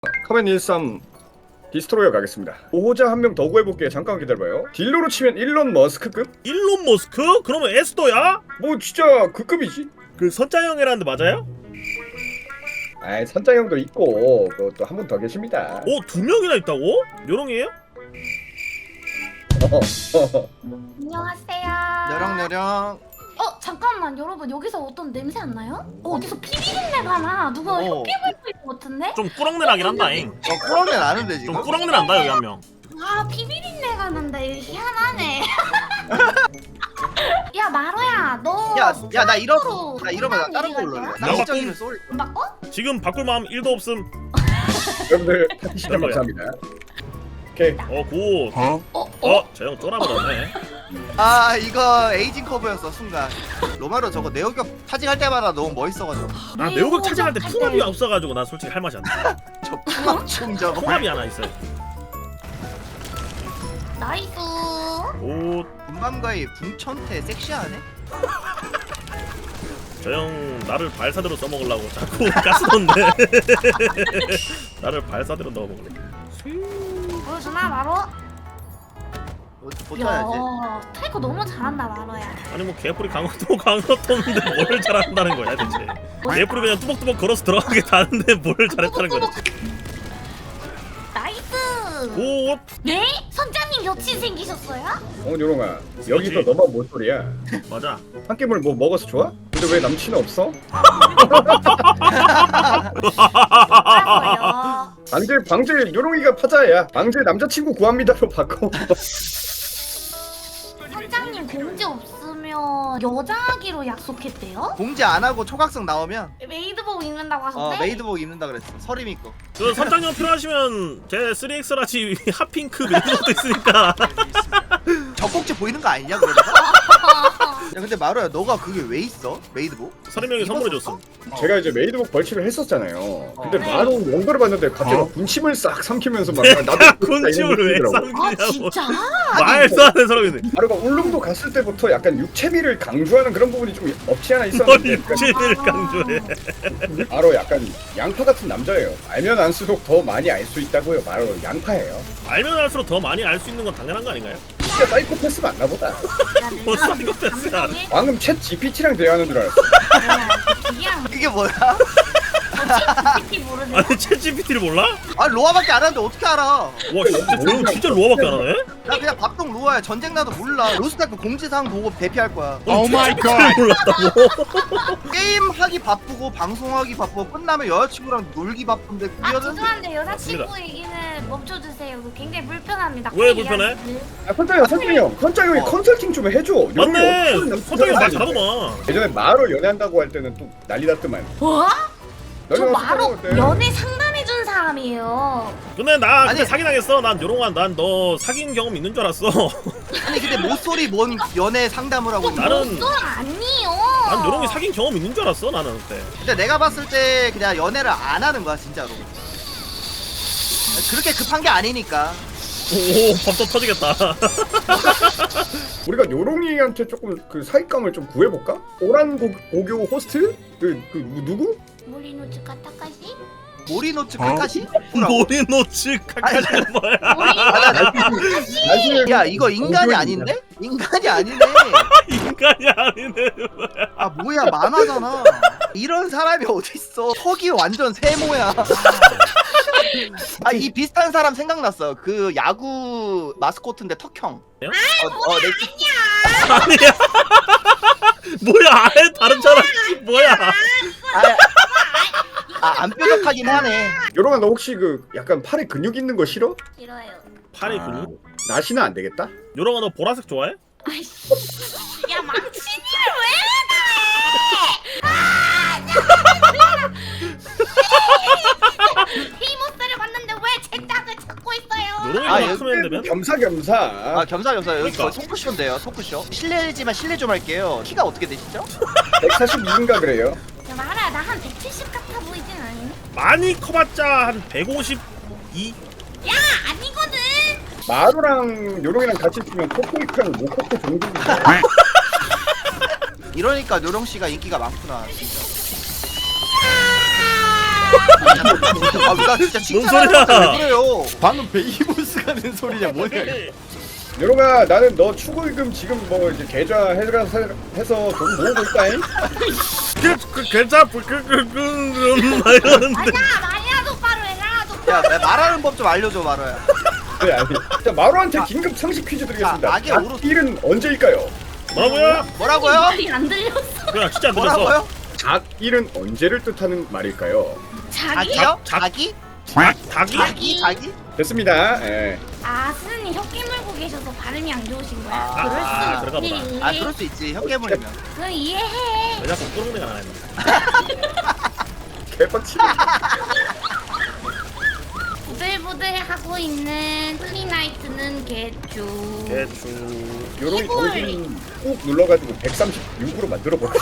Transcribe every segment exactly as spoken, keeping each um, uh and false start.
카멘 일삼 디스트로이어 가겠습니다. 보호자 한 명 더 구해볼게요. 잠깐 기다려봐요. 딜러로 치면 일론 머스크급? 일론 머스크? 그러면 에스더야? 뭐 진짜 그 급이지. 그 선장형이라는데 맞아요? 아이 선장형도 있고 그것도 한 분 더 계십니다. 오, 두 명이나 있다고? 요롱이에요? 안녕하세요. 여령여령. 어 잠깐만 여러분 여기서 어떤 냄새 안 나요? 어, 어디서 피 비린내가 나. 누가 어. 혀피 불고 있는 것 같은데? 좀 꾸렁내 나긴 한다잉. 어 꾸렁내 나는데 지금? 좀 꾸렁내 난다 여기 한 명. 아 피 비린내가 난다. 이거 희한하네. 야 마로야 너. 야, 야, 나 이러, 스스로 나 이러면 나 다른 일이 거 갈 올래. 거야? 나 시적이면 쏠. 안 바꿔? 지금 바꿀 마음 일도 없음. 여러분들 파티 시청 감사합니다. 오케이. 어 굿. 어? 어? 어? 저 형 쫄아버렸네. 아 이거 에이징 커브였어 순간. 로마로 저거 내어격 타직할 때마다 너무 멋있어가지고. 아 매우극 차지할 때 풍압이 없어가지고 난 솔직히 할 맛이 안 나. 저 풍합충 저거. 풍압이 하나 있어요. 나이스. 오, 군밤과의 붕천태 섹시하네. 저 형 나를 발사대로 써먹으려고 자꾸 가스 넣는데. 나를 발사대로 넣어먹으려. 보여주나 마로? 어, 버텨야지. 야 타이거 너무 잘한다 마로야. 아니 뭐 개뿔이 강호도 강호도인데 뭘 잘한다는 거야 대체. 개뿔이 그냥 뚜벅뚜벅 걸어서 들어가게 다는데 뭘 잘했다는 거지. 나이스. 오, 네? 선장님 여친 생기셨어요? 어 요롱아 여기서 너만 뭔 소리야? 맞아. 한 끼물 뭐 먹어서 좋아? 근데 왜 남친은 없어? 알아요. 방제 방제 요롱이가 파자야. 방제 남자친구 구합니다로 바꿔. 선장님 공지 없으면 여자하기로 약속했대요? 공지 안 하고 초각성 나오면 메이드복 입는다고 하셨대? 어 메이드복 입는다 그랬어. 서림 입고. 그 선장형 필요하시면 제 쓰리엑스 라지 핫핑크 이런 것도 있으니까. 젖꼭지 보이는 거 아니냐 그러다가? 야 근데 마루야 너가 그게 왜 있어? 메이드복? 서림형이 선물해줬음. 제가 이제 메이드복 벌칙을 했었잖아요. 근데 네. 바로 연결을 봤는데 갑자기 막 군침을 싹 삼키면서 막 내가 나도 군침을 왜 아 삼기냐고. 진짜? 말도 안 되는 소리네. 바로가 울릉도 갔을 때부터 약간 육체미를 강조하는 그런 부분이 좀 없지 않아 뭘 있었는데 육체를 강조해. 바로 약간 양파 같은 남자예요. 알면 알수록 더 많이 알 수 있다고요. 바로 양파예요. 알면 알수록 더 많이 알 수 있는 건 당연한 거 아닌가요? 진짜 사이코패스 맞나 보다. 뭐 사이코패스야. 방금 챗 지피티랑 대화하는 줄 알았어. 그냥 그게 뭐야? 솔직히 모르네. 아니 챗지피티를 몰라? 아 로아밖에 안 하는데 어떻게 알아? 와 진짜 저형 진짜 로아밖에 안 하네? 나 그냥 밥동 로아야. 전쟁 나도 몰라. 로스타크 공지사항 보고 대피할 거야. 오 마이 갓. 몰랐다고? 게임 하기 바쁘고 방송하기 바쁘고 끝나면 여자친구랑 놀기 바쁜데 아 그녀는 죄송한데 여자친구 얘기는 멈춰주세요. 이거 굉장히 불편합니다. 왜 그 불편해? 이야기를. 아, 선장형, 선장형, 선장형이 어. 컨설팅 좀 해줘. 맞네. 요즘에 선장형 말 어떤 잘하더만. 예전에 마로 연애한다고 할 때는 또 난리 났더만. 뭐? 저 너희가 바로 선장형 때 연애 상담해준 사람이에요. 근데 나 그때 아니. 사기당했어. 난 요롱한 난 너 사귄 경험 있는 줄 알았어. 아니 근데 모쏠이 뭔 연애 상담을 하고 있는 거야? 나는 또 아니요. 난 요롱이 사귄 경험 있는 줄 알았어 나는 그때. 근데 내가 봤을 때 그냥 연애를 안 하는 거야 진짜로. 그렇게 급한 게 아니니까. 오 밥도 터지겠다. 우리가 요롱이한테 조금 그 사익감을 좀 구해볼까? 오란 고, 고교 호스트? 그, 그 누구? 모리노츠카 타카시? 모리노츠 카카시? 모리노츠 카카시는 뭐야? 나중에 야 이거 인간이 아닌데? 인간이 아니네. 인간이 아니네. 아 뭐야 만화잖아. 이런 사람이 어딨어. 턱이 완전 세모야. 아 이 비슷한 사람 생각났어. 그 야구 마스코트인데 턱형. 어, 어, 내... 아니야. 뭐야 아예 다른 사람 뭐야? 아, 아, 안 뾰족하긴 하네. 요롱아 너 혹시 그 약간 팔에 근육 있는 거 싫어? 싫어요. 팔이 근육? 나시는 안 되겠다? 요롱아 너 보라색 좋아해? 아이씨. 야 망치니를 왜 그래? 히모스를 봤는데 왜 제 짝을 찾고 있어요? 요롱이가 아, 크면 되면? 겸사겸사. 아 겸사겸사 여기 그러니까. 거의 토크쇼인데요 토크쇼. 실례지만 실례 좀 할게요. 키가 어떻게 되시죠? 백사십이인가 그래요. 야 말아 나 한 백칠십 같아 보이진 않니? 많이 커봤자 한 백오십이? 야 아니거든. 마루랑 요롱이랑 같이 있으면 코코이크랑 모코코 정도인데. 이러니까 요령 씨가 인기가 많구나. 진짜. 아나 진짜 뭔 칭찬하는 소리야? 왜 그래요? 방금 베이보스가 된 소리냐 뭐냐 이거. 요롱아 나는 너 축의금 지금 뭐 이제 계좌 해서 해서 돈 모으고 있다잉. 그 괜찮아 그그그그 이러는데 아니야 마리아 똑바로 해라 똑바로. 야 내 말하는 법 좀 알려줘 마로야. 네 아니. 자 마루한테 긴급 상식 퀴즈 드리겠습니다. 자, 악의 오로- 닭일은 언제일까요? 뭐라고요? 뭐라고요? 말이 안 들렸어. 그냥 진짜 안 들렸어. 뭐라고요? 닭일은 언제를 뜻하는 말일까요? 자기? 자기요? 자- 자기? 닭 닭이? 자기? 자기? 됐습니다. 예. 아 스님 혀 깨물고 계셔서 발음이 안 좋으신 거야. 아, 그럴 아, 수 그런가 있지. 아 그럴 수 있지 혀 깨물리면. 그럼 이해해. 왜 자꾸 꾸렁내가 나냐? 개빡치네. 부들부들하고 있는 프리나이트는 개쭈. 대충. 요롱이 이걸. 정신 꾹 눌러가지고 백삼십육으로 만들어버려.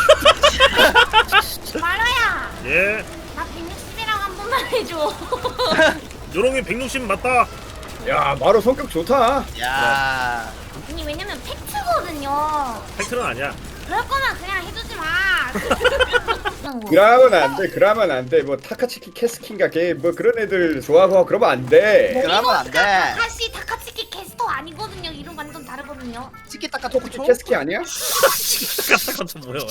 마라야, 예. 나 백육십이라고 한 번만 해줘. 요롱이 백육십 맞다. 야 마루 성격 좋다. 야. 아니 왜냐면 팩트거든요. 팩트는 아니야. 그럴 거면 그냥 해주지 마. 그러면 안 돼. 그러면 안 돼. 뭐 타카치키 캐스킨가 걔뭐 그런 애들 좋아하고 그러면 안 돼. 그러면 안 돼. 사실 타카츠키 캐스터 아니거든요. 이름 완전 다르거든요. 치키타카 토쿠치 토쿠초? 캐스키 아니야? 까딱한 뭐야?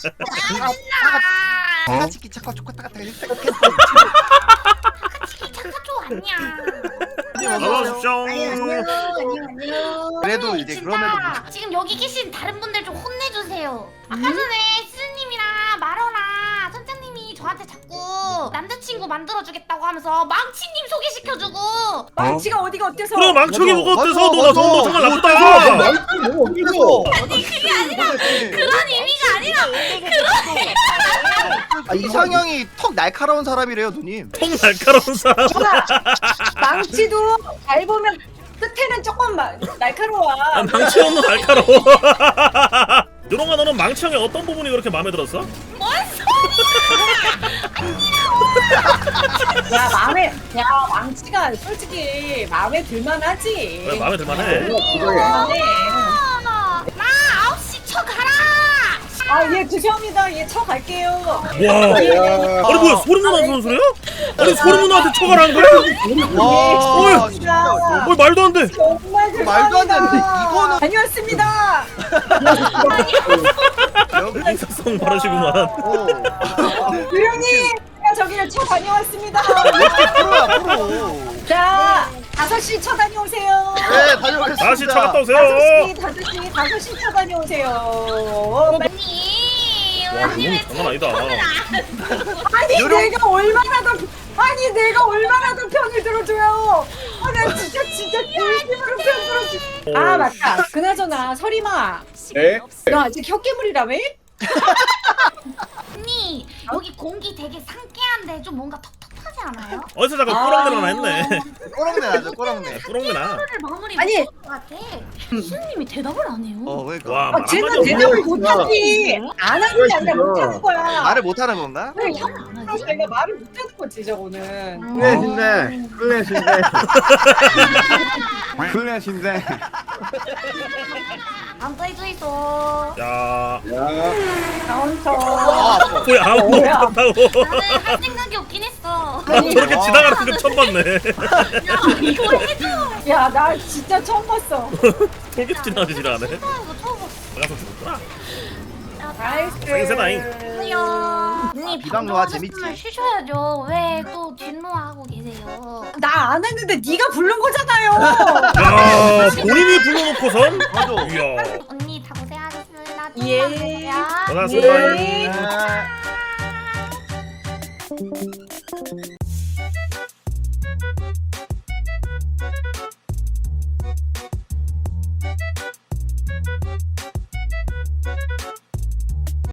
아, 타카치키 차카 초코타카 타카츠키 차카초 아니야. 어서오십시오. 그래도 이제 그럼에도 진짜 지금 여기 계신 다른 분들 좀 혼내주세요. 아까 전에 스님이랑 마러랑 선장님이 저한테 자꾸 남자친구 만들어주겠다고 하면서 망치님 소개시켜주고. 망치가 어디가 어때서? 그래 망청이 맞아, 뭐가 어때서 맞아, 너나 너 맞아. 정말 아, 나쁘다. 말투 너무 어디서? 아니 그게 아니라 그런 의미가 아니라 아, 이상형이 턱 날카로운 사람이래요 누님. 통 날카로운 사람. 망치도 잘 보면 끝에는 조금 마, 날카로워. 아, 망치 형도 날카로워. 요롱아 너는 망치 형의 어떤 부분이 그렇게 마음에 들었어? 뭔 소리야. 야 마음에 야 망치가 솔직히 마음에 들만하지. 왜 마음에 들만해? 들만해. 나 아홉 시 쳐 가라. 아예 죄송합니다. 예 쳐 갈게요. 와. 야. 아니 뭐야 소름 누나 하는 소리야? 아니 소름 누나한테 쳐가라는 거야? 와, 어이. 진짜. 뭐 말도 안 돼. 정말 죄송합니다. 말도 안 되는데, 이거는- 다녀왔습니다. 여기 인사성 바르시구만. 어. 유령님 제가 저기를 쳐 다녀왔습니다. 프로야 프로. 자 다섯 시 쳐 다녀오세요. 네 다녀오겠습니다. 다시 차 갔다 오세요. 다섯 시 다섯 시 다섯 시 쳐 다녀오세요. 언니 와 언니 왜 이건 장난 아니다. 아니 요런- 내가 얼마나 더 아니 내가 얼마나 더 편을 들어줘요. 아, 나 진짜 진짜 진심으로 편 들어줘. 아 맞다. 그나저나 설이마, 네. 너 아직 혀깨물이라며? 언니 여기 공기 되게 상쾌한데 좀 뭔가 텁텁하지 않아요? 어디서 잠깐 아. 꾸렁내나 했네. 꼬랑내 나죠 꼬랑내. 꾸렁내나. 하루를 마무리 아니. 못할 것 같아. 수님이 대답을 안 해요. 어 그러니까 와 아, 말 쟤는 한마디 대답을 없네. 못하지. 안 하는 게 아니라 못하는 거야. 말을 못하는 건가? 왜 형 안 하지? 내가 말을 못하는 거지 저거는. 클래신데 클래신데 클래신데. 안 떠있어 있어. 야 야. 카운터. 아, 아파. 뭐야 아무도 뭐야? 못한다고. 나는 할 생각이 없긴 했어. 아니, 저렇게 와. 지나가는 거 처음 봤네. 야 이거 해줘. 야 나 진짜 처음 봤어. 돌게 지나가지 지나가네. 이거 처음 봤어. 나가서 죽었구나. 나이스. 땡세다잉. 안녕. 언니 비방로아 방송하셨으면 재밌지? 쉬셔야죠. 왜 또 뒷노하고 계세요? 나 안 했는데 네가 부른 거잖아요. 야 본인이 불러놓고선. 맞아. 이야. 언니 다 고생하셨습니다. 예. 조금만 계세요. 고생하셨습니다. 네. 네.